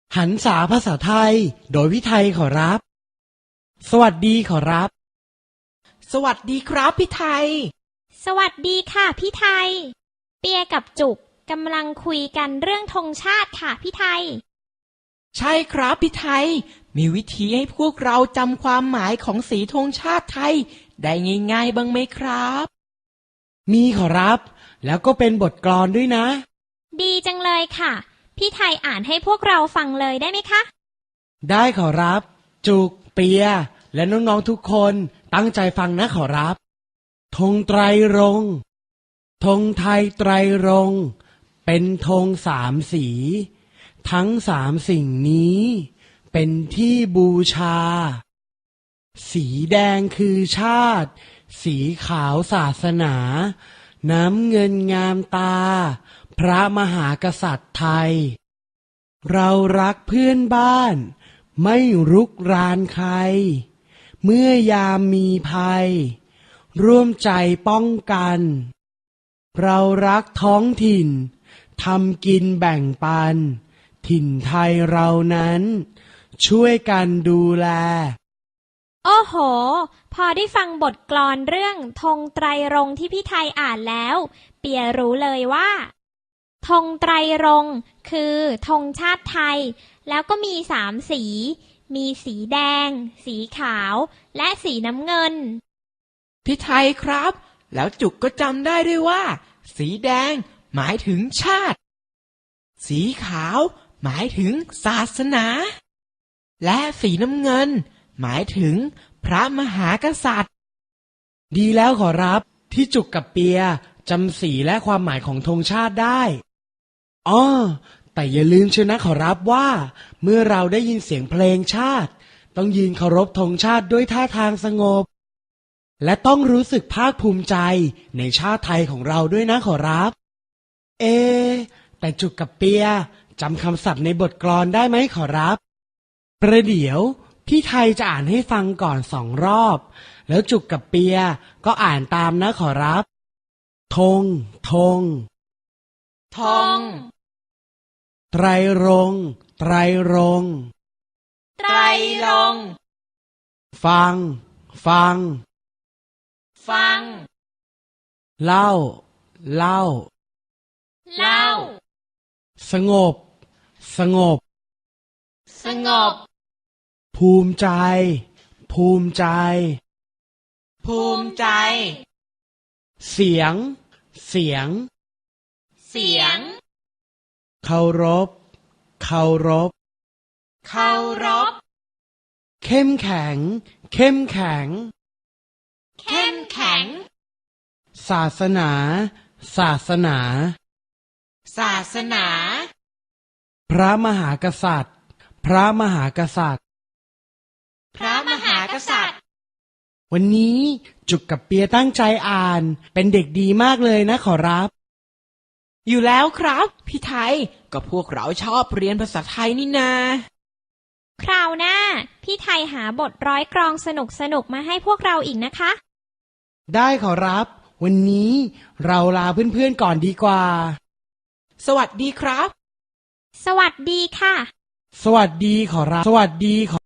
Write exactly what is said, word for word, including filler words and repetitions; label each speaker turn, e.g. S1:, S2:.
S1: หันษาภาษาไทยโดยพี่ไทยขอรับ สวัสดีขอรับ
S2: สวัสดีครับพี่ไทย
S3: สวัสดีค่ะพี่ไทยเปียกับจุกกำลังคุยกันเรื่องธงชาติค่ะพี่ไทย
S2: ใช่ครับพี่ไทยมีวิธีให้พวกเราจำความหมายของสีธงชาติไทยได้ง่ายๆบ้างไหมครับ
S1: มีขอรับแล้วก็เป็นบทกลอนด้วยนะ
S3: ดีจังเลยค่ะพี่ไทยอ่านให้พวกเราฟังเลยได้ไหมคะ
S1: ได้ขอรับจุกเปียและน้องๆทุกคนตั้งใจฟังนะขอรับธงไตรรงค์ธงไทยไตรรงค์เป็นธงสามสีทั้งสามสิ่งนี้เป็นที่บูชาสีแดงคือชาติสีขาวศาสนาน้ำเงินงามตาพระมหากษัตริย์ไทยเรารักเพื่อนบ้านไม่รุกรานใครเมื่อยามมีภัยร่วมใจป้องกันเรารักท้องถิ่นทำกินแบ่งปันถิ่นไทยเรานั้นช่วยกันดูแล
S3: โอ้โหพอได้ฟังบทกลอนเรื่องธงไตรรงค์ที่พี่ไทยอ่านแล้วเปียรู้เลยว่าธงไตรรงค์คือธงชาติไทยแล้วก็มีสามสีมีสีแดงสีขาวและสีน้ำเงิน
S2: พี่ไทยครับแล้วจุกก็จำได้ด้วยว่าสีแดงหมายถึงชาติสีขาวหมายถึงศาสนาและสีน้ำเงินหมายถึงพระมหากษัตริย์
S1: ดีแล้วขอรับที่จุกกับเปียจำสีและความหมายของธงชาติได้อ้อแต่อย่าลืมเชียวนะขอรับว่าเมื่อเราได้ยินเสียงเพลงชาติต้องยืนเคารพธงชาติด้วยท่าทางสงบและต้องรู้สึกภาคภูมิใจในชาติไทยของเราด้วยนะขอรับเอแต่จุกกับเปียจำคำศัพท์ในบทกลอนได้ไหมขอรับประเดี๋ยวพี่ไทยจะอ่านให้ฟังก่อนสองรอบแล้วจุกกับเปียก็อ่านตามนะขอรับธงธง
S2: ธง
S1: ไตรรงค์ไตรรงค์
S2: ไตรรงค์
S1: ฟังฟัง
S2: ฟัง
S1: เล่าเล่า
S2: เล่า
S1: สงบสงบ
S2: สงบ
S1: ภูมิใจภูมิใจ
S2: ภูมิใจ
S1: เสียงเสียง
S2: เสียง
S1: เคารพเคารพ
S2: เคารพ
S1: เข้มแข็งเข้มแข็ง
S2: เข้มแข็ง
S1: ศาสนาศาสนา
S2: ศาสนา
S1: พระมหากษัตริย์พระมหากษัตริย์
S2: พระมหากษัตริย์
S1: วันนี้จุกกับเปียตั้งใจอ่านเป็นเด็กดีมากเลยนะขอรับ
S2: อยู่แล้วครับพี่ไทยก็พวกเราชอบเรียนภาษาไทยนี่นา
S3: คราวหน้าพี่ไทยหาบทร้อยกลองสนุกสนุกมาให้พวกเราอีกนะคะ
S1: ได้ขอรับวันนี้เราลาเพื่อนๆก่อนดีกว่า
S2: สวัสดีครับ
S3: สวัสดีค่ะ
S1: สวัสดีขอรับสวัสดีขอ